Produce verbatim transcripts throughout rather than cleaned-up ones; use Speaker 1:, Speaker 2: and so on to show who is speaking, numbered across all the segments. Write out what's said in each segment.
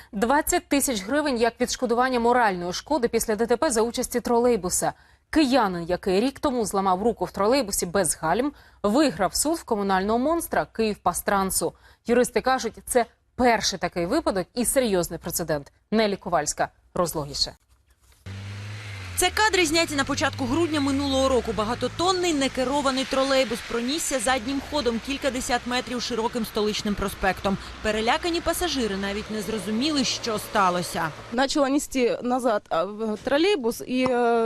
Speaker 1: двадцять тисяч гривень як відшкодування моральної шкоди після ДТП за участі тролейбуса. Киянин, який рік тому зламав руку в тролейбусі без гальм, виграв суд в комунального монстра «Київпастрансу». Юристи кажуть, це перший такий випадок і серйозний прецедент. Нелі Ковальська розлогіше.
Speaker 2: Це кадри зняті на початку грудня минулого року. Багатотонний некерований тролейбус пронісся заднім ходом кількадесят метрів широким столичним проспектом. Перелякані пасажири навіть не зрозуміли, що сталося.
Speaker 3: Почала нести назад тролейбус, і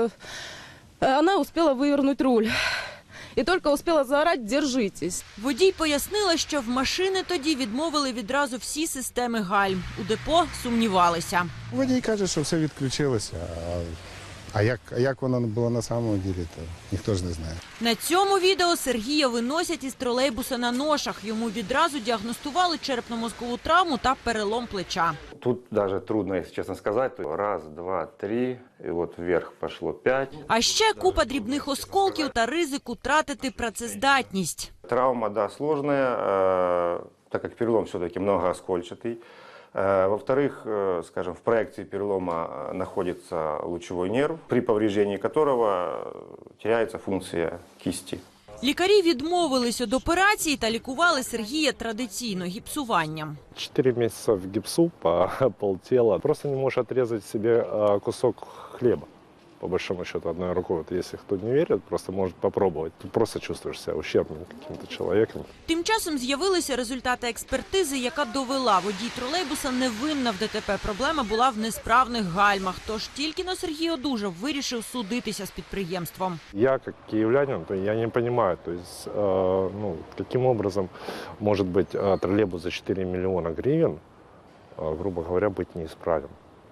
Speaker 3: вона успіла вивернути руль. І тільки успіла заорати «Держитесь».
Speaker 2: Водій пояснила, що в машини тоді відмовили відразу всі системи гальм. У депо сумнівалися.
Speaker 4: Водій каже, що все відключилося. А як, а як воно було на самому ділі, то ніхто ж не знає.
Speaker 2: На цьому відео Сергія виносять із тролейбуса на ношах. Йому відразу діагностували черепно-мозкову травму та перелом плеча.
Speaker 5: Тут даже трудно, если честно сказать. Раз, два, три, и вот вверх пошло пять.
Speaker 2: А ще купа дрібних осколків та ризик втратити працездатність.
Speaker 5: Травма, да, сложная, э, так как перелом все-таки многооскольчатый. Э, во-вторых, э, скажем, в проекции перелома находится лучевой нерв, при повреждении которого теряется функция кисти.
Speaker 2: Лікарі відмовились від операції та лікували Сергія традиційно гіпсуванням.
Speaker 6: Четыре месяца в гипсу по полтела. Просто не можешь отрезать себе кусок хлеба. По большому счету, одной рукой. Вот если кто не верит, просто может попробовать. Ты просто чувствуешь себя ущербным каким-то человеком.
Speaker 2: Тим часом з'явилися результати експертизи, яка довела, водій тролейбуса не винна в ДТП. Проблема була в несправних гальмах. Тож тільки но Сергій одужав, вирішив судитися з підприємством.
Speaker 6: Я, как киевлянин, то я не понимаю, то есть, э, ну, каким образом может быть э, троллейбус за четыре миллиона гривен, э, грубо говоря, быть неисправен.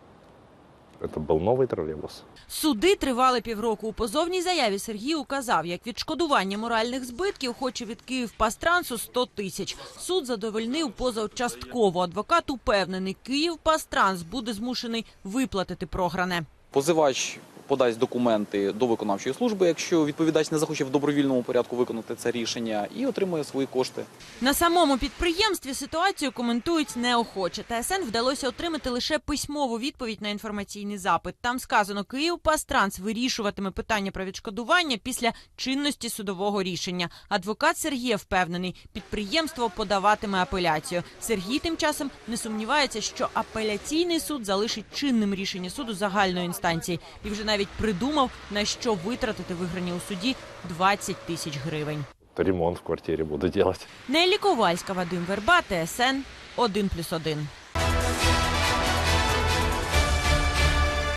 Speaker 6: Це був новий тролейбус.
Speaker 2: Суди тривали півроку. У позовній заяві Сергій указав, як відшкодування моральних збитків хоче від Київпастрансу сто тисяч. Суд задовольнив позачастково. Адвокат упевнений, Київпастранс буде змушений виплатити програне.
Speaker 7: Позивач подасть документи до виконавчої служби, якщо відповідач не захоче в добровільному порядку виконати це рішення, і отримує свої кошти.
Speaker 2: На самому підприємстві ситуацію коментують неохоче. ТСН вдалося отримати лише письмову відповідь на інформаційний запит. Там сказано, Київпастранс вирішуватиме питання про відшкодування після чинності судового рішення. Адвокат Сергія впевнений, підприємство подаватиме апеляцію. Сергій тим часом не сумнівається, що апеляційний суд залишить чинним рішення суду загальної інстанції. І вже навіть придумав, на що витратити виграні у суді двадцять тисяч гривень.
Speaker 6: Ремонт в квартирі буду робити.
Speaker 2: Нелі Ковальська, Вадим Верба, ТСН один плюс один.